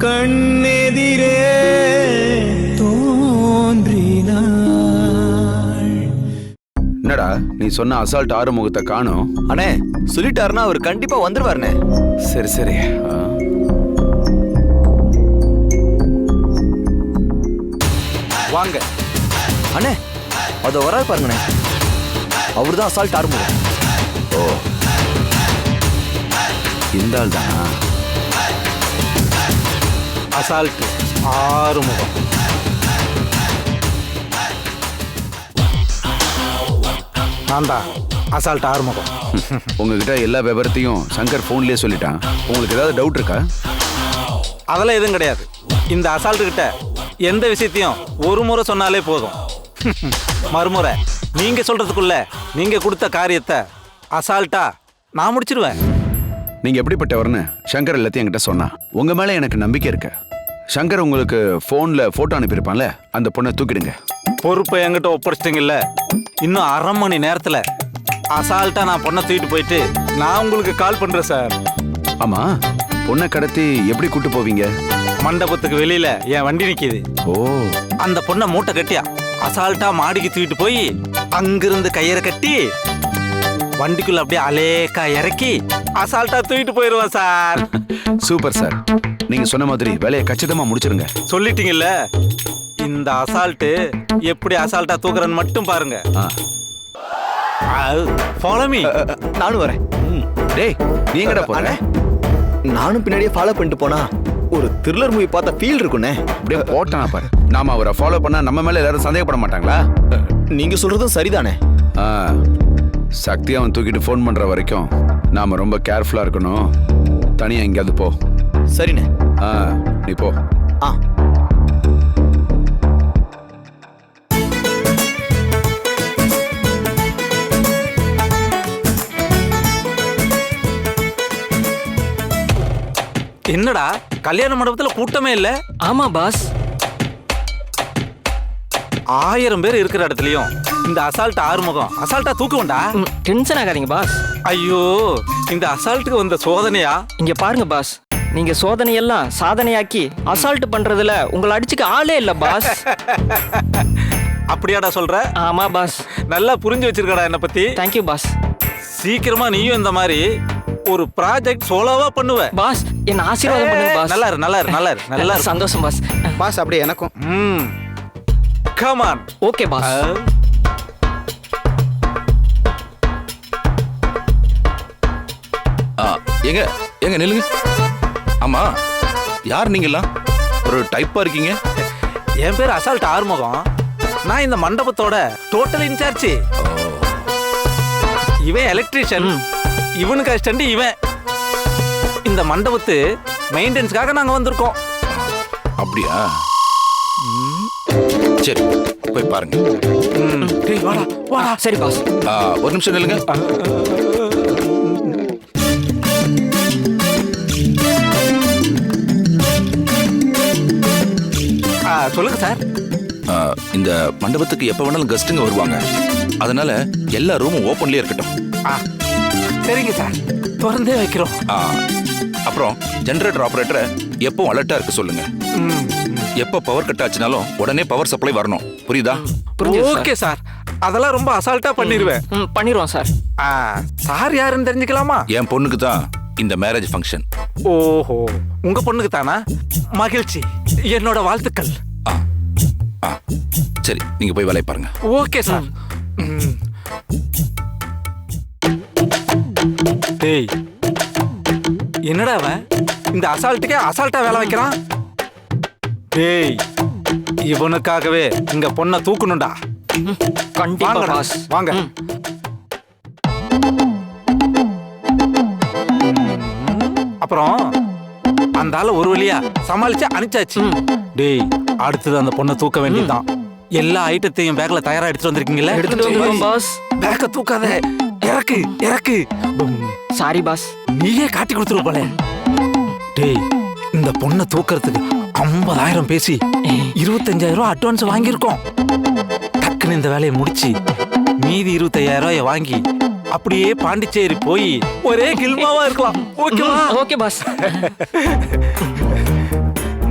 கண்ணெதிரே தோன்றினாள். என்னடா நீ சொன்ன அசால்ட் ஆறுமுகத்தை காணோம்? அண்ணே சொல்லிட்டாருன்னா அவர் கண்டிப்பா வந்துருவாருண்ணே. சரி சரி. வாங்க அண்ணே, அது வராது பாருங்கண்ணே. அவரு தான் அசால்ட் ஆறுமுகம். ஓ, இந்த ஆள் தானா அசால்ட் ஆறுமுகம்? நான் தான் அசால்ட் ஆறுமுகம். உங்ககிட்ட எல்லா விவரத்தையும் சங்கர் போன்லயே சொல்லிட்டான். உங்களுக்கு ஏதாவது டவுட் இருக்கா? அதெல்லாம் எதுவும் கிடையாது. இந்த அசால்ட்டு கிட்ட எந்த விஷயத்தையும் ஒரு முறை சொன்னாலே போதும். மறுமுறை நீங்க சொல்றதுக்குள்ள நீங்க கொடுத்த காரியத்தை அசால்ட்டா நான் முடிச்சிருவேன். நீங்க எப்படிப்பட்டவர்னு சங்கர் எல்லாத்தையும் என்கிட்ட சொன்னா. உங்க மேல எனக்கு நம்பிக்கை இருக்கு. சங்கர் உங்களுக்கு போன்ல போட்டோ அனுப்பியிருப்பான்ல, அந்த பொண்ணை தூக்கிடுங்க. பொறுப்பை என்கிட்ட ஒப்படைச்சிட்டீங்கல்ல, இன்னும் அரை மணி நேரத்துல அசால்ட்டா நான் பொண்ணை தூக்கிட்டு போயிட்டு நான் உங்களுக்கு கால் பண்றேன் சார். ஆமா, பொண்ணை கடத்தி எப்படி கூட்டு போவீங்க? மண்டபத்துக்கு வெளியில என் வண்டி நிக்குது. ஓ, அந்த பொண்ணை மூட்டை கட்டியா அசால்ட்டா மாடிக்கு தூக்கிட்டு போய் அங்கிருந்து கயிறை கட்டி வண்டிக்குள்ள அப்படியே அலேக்கா இறக்கி அசால்ட்டா தூக்கிட்டு போயிருவேன் சார். Super sir. நீங்க சொன்ன மாதிரி வேலையை கச்சிதமா முடிச்சிருங்க. சொல்லிட்டீங்கல்ல, இந்த அசால்ட்டு எப்படி அசால்ட்டா தூக்குறன்னு மட்டும் பாருங்க. Follow me. நானும் வரேன். டேய், நீங்கடா போற? நானும் பின்னாடியே ஃபாலோ பண்ணிட்டு போனா ஒரு த்ரில்லர் மூவி பார்த்த ஃபீல் இருக்குண்ணே. அப்படியே போட்டானா பாரு. நாம அவரை ஃபாலோ பண்ணா நம்ம மேல எல்லாரும் சந்தேகப்பட மாட்டாங்களா? நீங்க சொல்றதும் சரிதானே. சக்தி அவன் தூக்கிட்டு ஃபோன் பண்ற வரைக்கும் நாம ரொம்ப கேர்ஃபுல்லா இருக்கணும். தனியா எங்கேயாவது போ. சரிண்ணே. நீ போ. என்னடா கல்யாண மண்டபத்துல கூட்டமே இல்ல? ஆமா பாஸ். 1000 பேர் இருக்கிற இடத்துலயும் இந்த அசால்ட் ஆறுமுகம் அசால்ட்டா தூக்குவண்டா. டென்ஷன் ஆகாதீங்க பாஸ். ஐயோ, இந்த அசால்ட்டுக்கு வந்த சோதனையா? இங்க பாருங்க பாஸ், நீங்க சோதனையெல்லாம் சாதனையாக்கி அசால்ட் பண்றதுல உங்களை அடிச்சுக்க ஆளே இல்ல பாஸ். அப்படியாடா சொல்ற? ஆமா பாஸ். நல்லா புரிஞ்சு வச்சிருக்கடா என்ன பத்தி. Thank you boss. சீக்கிரமா நீயும் இந்த மாதிரி ஒரு ப்ராஜெக்ட் சோலோவா பண்ணுவ பாஸ். என்ன ஆசீர்வாதம் பண்ணுங்க பாஸ். நல்லா இரு, நல்லா இரு, நல்லா இரு, நல்லா இரு. சந்தோஷம் பாஸ். பாஸ் அப்படியே எனக்கும். Come on. Okay boss. எங்க எங்க நில்லுங்க. ஆமா, யார் நீங்கெல்லாம்? ஒரு டைப்பா இருக்கீங்க. என் பேர் அசால்ட் ஆறுமுகம். நான் இந்த மண்டபத்தோட டோட்டல் இன்சார்ஜ். இவன் எலக்ட்ரீஷியன், இவனுக்கு அசிஸ்டன்ட் இவன். இந்த மண்டபத்து மெயின்டெனன்ஸ்க்காக நாங்க வந்திருக்கோம். அப்படியா? சரி, போய் பாருங்க. வாடா வாடா. சரி பாஸ். ஒரு நிமிஷம் நில்லுங்க. சொல்லுங்க சார். இந்த மண்டபத்துக்கு எப்ப வேணாலும் கெஸ்ட்டுங்க வருவாங்க. அதனால எல்லா ரூமும் ஓப்பன்லயே இருக்கட்டும். சரிங்க சார், திறந்தே வைக்கிறோம். அப்புறம் ஜெனரேட்டர் ஆபரேட்டரை எப்பவும் அலர்ட்டா இருக்க சொல்லுங்க. எப்ப பவர் கட் ஆச்சுனாலும் உடனே பவர் சப்ளை வரணும். புரியுதா? ஓகே சார், அதெல்லாம் ரொம்ப அசால்ட்டா பண்ணிடுவேன். பண்ணிடுவோம் சார். சார் யாருன்னு தெரிஞ்சுக்கலாமா? என் பொண்ணுக்கு தான் இந்த மேரேஜ் ஃபங்க்ஷன். ஓஹோ, உங்க பொண்ணுக்கு தானா? மகிழ்ச்சி, என்னோட வாழ்த்துக்கள். சரி, நீங்க போய் வேலையை பாருங்க. Okay sir. டேய், என்னடா அவன் இந்த அசால்ட்டுக்கே அசால்ட்டா வேலை வைக்கிறான்? டேய், இவனுக்காகவே இங்க பொண்ணை தூக்கணும்டா. கண்டிப்பா பாஸ். வாங்க. அப்புறம் அந்த ஆள ஒரு வழியா சமாளிச்சு அனுப்பிச்சாச்சு. டேய், அடுத்தது அந்த பொண்ணை தூக்க வேண்டியதுதான். எல்லா ஐட்டத்தையும் பேக்ல தயாரா எடுத்துட்டு வந்திருக்கீங்களா? எடுத்துட்டு வந்துருவோம் பாஸ். பேக்க தூக்காத, இறக்கு இறக்கு. Sorry boss. நீயே காட்டி கொடுத்துரு போல. டேய், இந்த பொண்ணை தூக்கறதுக்கு 50,000 பேசி 25,000 அட்வான்ஸ் வாங்கியிருக்கோம். டக்குன்னு இந்த வேலையை முடிச்சு மீதி 25,000 வாங்கி அப்படியே பாண்டிச்சேரி போய் ஒரே கில்மாவா இருக்கலாம். ஓகேவா? Okay boss.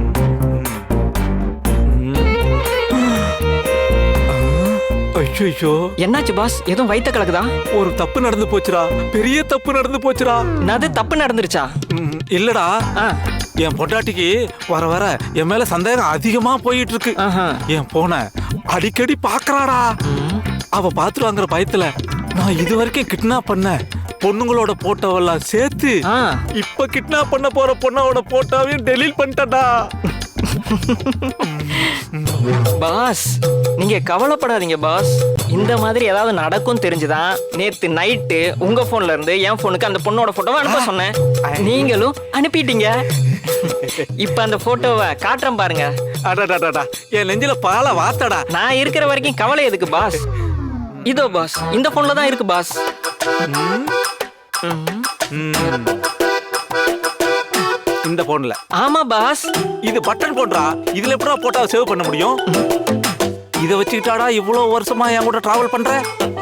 ஐயோ, என்னாச்சு பாஸ்? எதுவும் வயித்த கலக்குதா? ஒரு தப்பு நடந்து போச்சுடா, பெரிய தப்பு நடந்து போச்சுடா. என்னது தப்பு நடந்துருச்சா? இல்லடா, ஆ, என் பொண்டாட்டிக்கு வர வர என் மேல சந்தேகம் அதிகமா போயிட்டு இருக்கு. ஆஹா. என் போன அடிக்கடி பாக்குறாடா. அவ பாத்துருவாங்கிற பயத்துல நான் இது வரைக்கும் கிட்னாப் பண்ண பொண்ணுங்களோட போட்டோவெல்லாம் சேர்த்து ஆ. இப்ப கிட்னாப் பண்ண போற பொண்ணோட போட்டோவையும் டெலீட் பண்ணிட்டடா. பாஸ் நீங்க கவலைப்படாதீங்க பாஸ். இந்த மாதிரி ஏதாவது நடக்கும் தெரிஞ்சுதான் நேத்து நைட்டு உங்க போன்ல இருந்து என் போனுக்கு அந்த பொண்ணோட போட்டோவை அனுப்ப சொன்னேன். நீங்களும் அனுப்பிட்டீங்க. இப்ப அந்த போட்டோவை காட்டுறேன் பாருங்க. அடடடடா, என் நெஞ்சில பால வாத்தடா. நான் இருக்கிற வரைக்கும் கவலை எதுக்கு பாஸ்? இதோ பாஸ், இந்த போன்ல தான் இருக்கு பாஸ். இந்த போன்ல? ஆமா பாஸ். இது பட்டன் போன்றா, இதுல எப்படா போட்டோ சேவ் பண்ண முடியும்? இத வச்சுக்கிட்டாடா இவ்வளவு வருஷமா என் கூட டிராவல் பண்ற?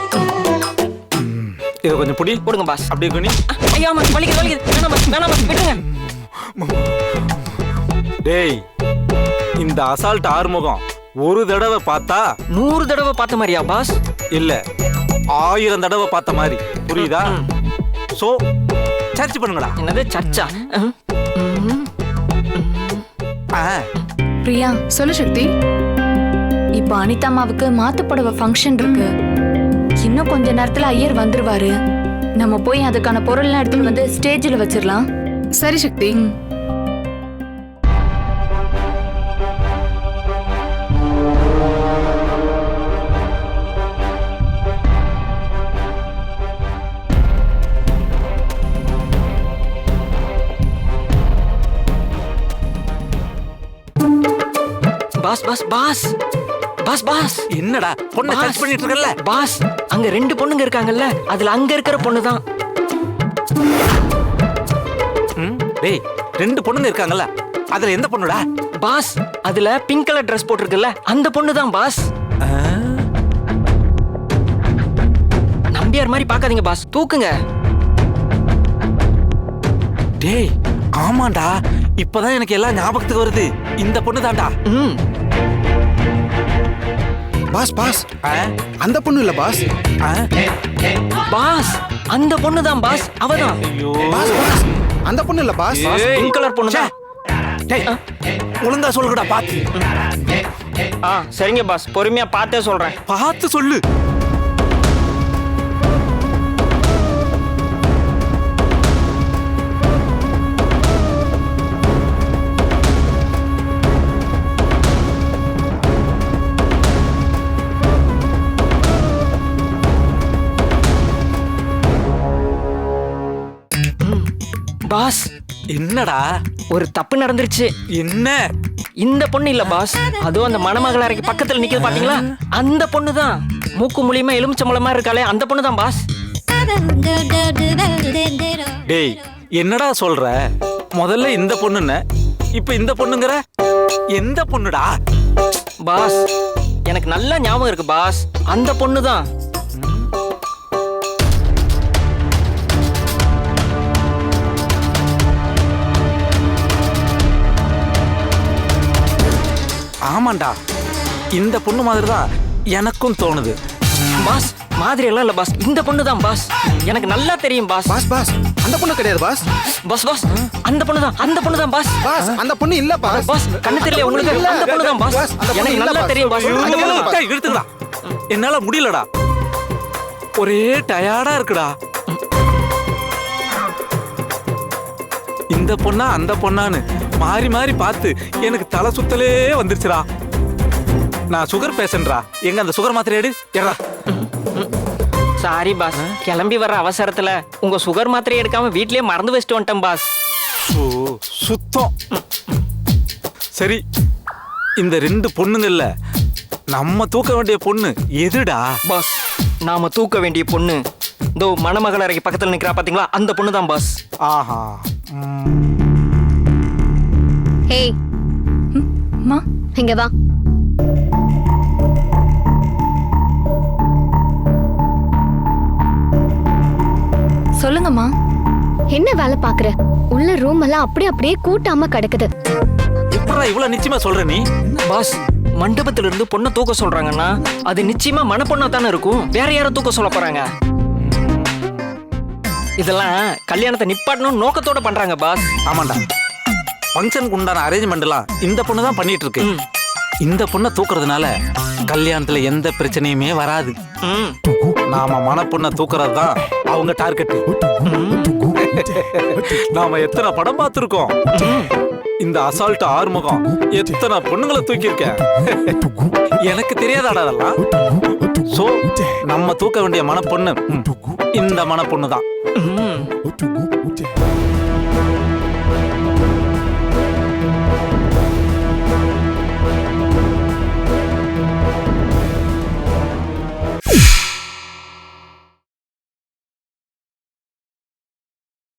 இத கொஞ்சம் புடி. கொடுங்க பாஸ். அப்படியே பண்ணி. ஐயா பாஸ், வலிக்குது வலிக்குது. வேணாம் பாஸ், வேணாம் பாஸ், விட்டுங்க. டேய், இந்த அசால்ட் ஆறுமுகம் ஒரு தடவை பார்த்தா 100 தடவை பார்த்த மாதிரியா பாஸ்? இல்ல 1000 தடவை பார்த்த மாதிரி, புரியுதா? சோ சர்ச் பண்ணுங்கடா. என்னது சர்ச்சா? பிரியா, சொல்லு சக்தி. இப்போ அனிதா அம்மாவுக்கு மாத்து புடவை ஃபங்க்ஷன் இருக்கு. இன்னும் கொஞ்ச நேரத்துல ஐயர் வந்துருவாரு. நம்ம போய் அதுக்கான பொருள்லாம் எடுத்துட்டு வந்து ஸ்டேஜ்ல வச்சிடலாம். சரி Sakthi. Boss boss boss boss boss. என்னடா பொண்ணை சர்ச் பண்ணிட்டு இருக்கல? பாஸ் அங்க 2 பொண்ணுங்க இருக்காங்கல்ல, அதுல அங்க இருக்கிற பொண்ணு தான். டேய், 2 பொண்ணுங்க இருக்காங்கல்ல, அதுல எந்த பொண்ணுடா? பாஸ் அதுல பிங்க் கலர் Dress போட்டிருக்குல்ல, அந்த பொண்ணு தான் பாஸ். நம்பியார் மாதிரி பார்க்காதீங்க பாஸ், தூக்குங்க. டேய், ஆமாண்டா, இப்பதான் எனக்கு எல்லாம் ஞாபகத்துக்கு வருது. இந்த பொண்ணு தான்டா. பாஸ் பாஸ், அந்த பொண்ணு இல்ல பாஸ். பாஸ் அந்த பொண்ணு தான் பாஸ், அவதான். பாஸ் பாஸ், அந்த பொண்ணு இல்ல பாஸ். பிங்க் கலர் பொண்ணு தான். டேய், ஒழுங்கா சொல்லுடா பாத்து. சரிங்க பாஸ், பொறுமையா பார்த்தே சொல்றேன். பார்த்து சொல்லு. பாஸ் என்னடா? ஒரு தப்பு நடந்துருச்சு. என்ன? இந்த பொண்ணு இல்ல பாஸ், அதுவும் அந்த மணமகள் அறைக்கு பக்கத்துல நிக்குது பாத்தீங்களா, அந்த பொண்ணு தான். மூக்கு மூலியமா எலுமிச்சம்பழம் மாதிரி இருக்காளே, அந்த பொண்ணு தான் பாஸ். டேய், என்னடா சொல்ற? முதல்ல இந்த பொண்ணுன்னு, இப்ப இந்த பொண்ணுங்கற? எந்த பொண்ணுடா? பாஸ் எனக்கு நல்ல ஞாபகம் இருக்கு பாஸ், அந்த பொண்ணு தான். ஆமாண்டா, இந்த பொண்ணு மாதிரி தான் எனக்கும் தோணுது. பாஸ் மாதிரி எல்லாம் இல்ல பாஸ், இந்த பொண்ணு தான் பாஸ். எனக்கு நல்லா தெரியும் பாஸ். பாஸ் பாஸ், அந்த பொண்ணு கிடையாது பாஸ். பாஸ் பாஸ் அந்த பொண்ணு தான், அந்த பொண்ணு தான் பாஸ். பாஸ் அந்த பொண்ணு இல்ல பாஸ். பாஸ் கண்ணு தெரியல உங்களுக்கு, அந்த பொண்ணு தான் பாஸ். எனக்கு நல்லா தெரியும் பாஸ். அந்த பொண்ணு தான் பாஸ். டேய், எடுத்துடா. என்னால முடியலடா, ஒரே டயர்டா இருக்குடா. இந்த பொண்ணா அந்த பொண்ணான்னு மாறி மாறி பார்த்து எனக்கு தலை சுத்தலே வந்துருச்சுடா. நான் சுகர் பேஷண்ட்ரா. எங்க அந்த சுகர் மாத்திரை எடு. ஏடா. சாரி பாஸ், கிளம்பி வர அவசரத்துல உங்க சுகர் மாத்திரை எடுக்காம வீட்லயே மறந்து வச்சுட்டு வந்துட்டேன் பாஸ். ஓ, சுத்தம். சரி, இந்த 2 பொண்ணுங்கல்ல, நம்ம தூக்க வேண்டிய பொண்ணு எதுடா? பாஸ் நாம தூக்க வேண்டிய பொண்ணு இதோ மணமகள் அறைக்கு பக்கத்துல நிக்கிறா பாத்தீங்களா, அந்த பொண்ணு தான் பாஸ். ஆஹா. ஏய், மா, இங்க வா. சொல்லுங்கம்மா. என்ன வேலை பாக்குற? உள்ள ரூம் எல்லாம் அப்படியே கூட்டாம கிடக்குது. எப்படா இவ்வளவு நிச்சயமா சொல்ற நீ? பாஸ் மண்டபத்துல இருந்து பொண்ணை தூக்க சொல்றாங்கன்னா அது நிச்சயமா மணப்பொண்ணா தானே இருக்கும். வேற யாரை தூக்க சொல்ல போறாங்க? இதெல்லாம் கல்யாணத்தை நிப்பாட்டணும் நோக்கத்தோட பண்றாங்க பாஸ். ஆமாண்டா, ஃபங்க்ஷனுக்கு உண்டான அரேஞ்ச்மெண்ட்லாம் இந்த பொண்ணு தான் பண்ணிட்டு இருக்கு. இந்த பொண்ணை தூக்குறதுனால கல்யாணத்துல எந்த பிரச்சனையுமே வராது. நாம மணப்பொண்ணை தூக்குறது தான் அவங்க டார்கெட். நாம எத்தனை படம் பார்த்திருக்கோம். இந்த அசால்ட் ஆறுமுகம் எத்தனை பொண்ணுங்களை தூக்கியிருக்க. எனக்கு தெரியாதாடா அதெல்லாம். சோ நம்ம தூக்க வேண்டிய மணப்பொண்ணு இந்த மணப்பொண்ணு தான்.